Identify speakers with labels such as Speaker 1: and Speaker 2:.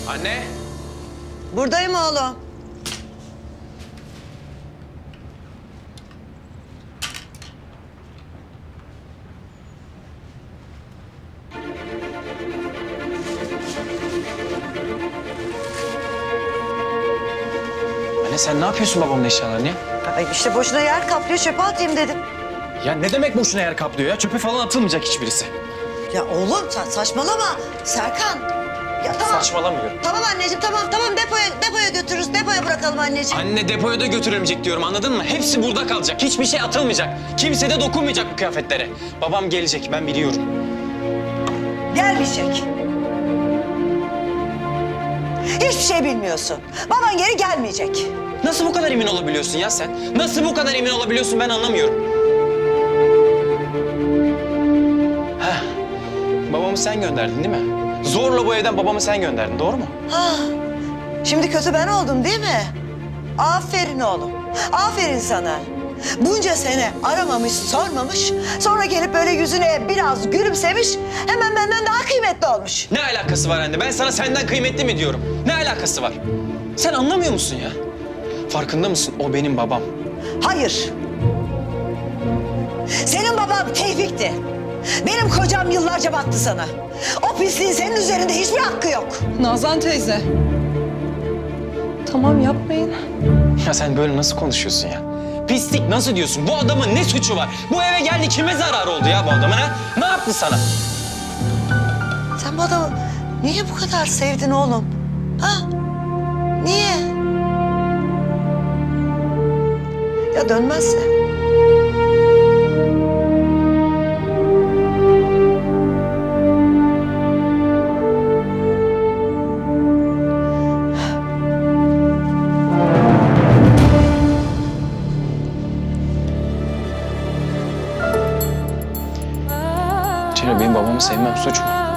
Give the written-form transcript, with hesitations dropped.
Speaker 1: Anne.
Speaker 2: Buradayım oğlum.
Speaker 1: Anne sen ne yapıyorsun babamın eşyalarını ya?
Speaker 2: Ay işte boşuna yer kaplıyor, çöpe atayım dedim.
Speaker 1: Ya ne demek boşuna yer kaplıyor ya? Çöpe falan atılmayacak hiçbirisi.
Speaker 2: Ya oğlum sen saçmalama Serkan. Ya tamam.
Speaker 1: Saçmalamıyorum.
Speaker 2: Tamam anneciğim tamam depoya götürürüz. Depoya bırakalım anneciğim.
Speaker 1: Anne depoya da götürülmeyecek diyorum, anladın mı? Hepsi burada kalacak. Hiçbir şey atılmayacak. Kimse de dokunmayacak bu kıyafetlere. Babam gelecek, ben biliyorum.
Speaker 2: Gelmeyecek. Hiçbir şey bilmiyorsun. Baban geri gelmeyecek.
Speaker 1: Nasıl bu kadar emin olabiliyorsun ya sen? Nasıl bu kadar emin olabiliyorsun, ben anlamıyorum. Heh. Babamı sen gönderdin değil mi? Zorla bu evden babamı sen gönderdin, doğru mu?
Speaker 2: Ha, şimdi kötü ben oldum değil mi? Aferin oğlum. Aferin sana. Bunca sene aramamış, sormamış. Sonra gelip böyle yüzüne biraz gülümsemiş. Hemen benden daha kıymetli olmuş.
Speaker 1: Ne alakası var anne? Ben sana senden kıymetli mi diyorum? Ne alakası var? Sen anlamıyor musun ya? Farkında mısın? O benim babam.
Speaker 2: Hayır. Senin baban Tevfik'ti. Benim kocam yıllarca baktı sana. O pisliğin senin üzerinde hiçbir hakkı yok.
Speaker 3: Nazan teyze. Tamam yapmayın.
Speaker 1: Ya sen böyle nasıl konuşuyorsun ya? Pislik nasıl diyorsun? Bu adamın ne suçu var? Bu eve geldi, kime zararı oldu ya bu adamın ha? Ne yaptı sana?
Speaker 2: Sen bu adamı niye bu kadar sevdin oğlum? Ha? Niye? Ya dönmezse?
Speaker 1: Cemre, benim babamı sevmem suç mu?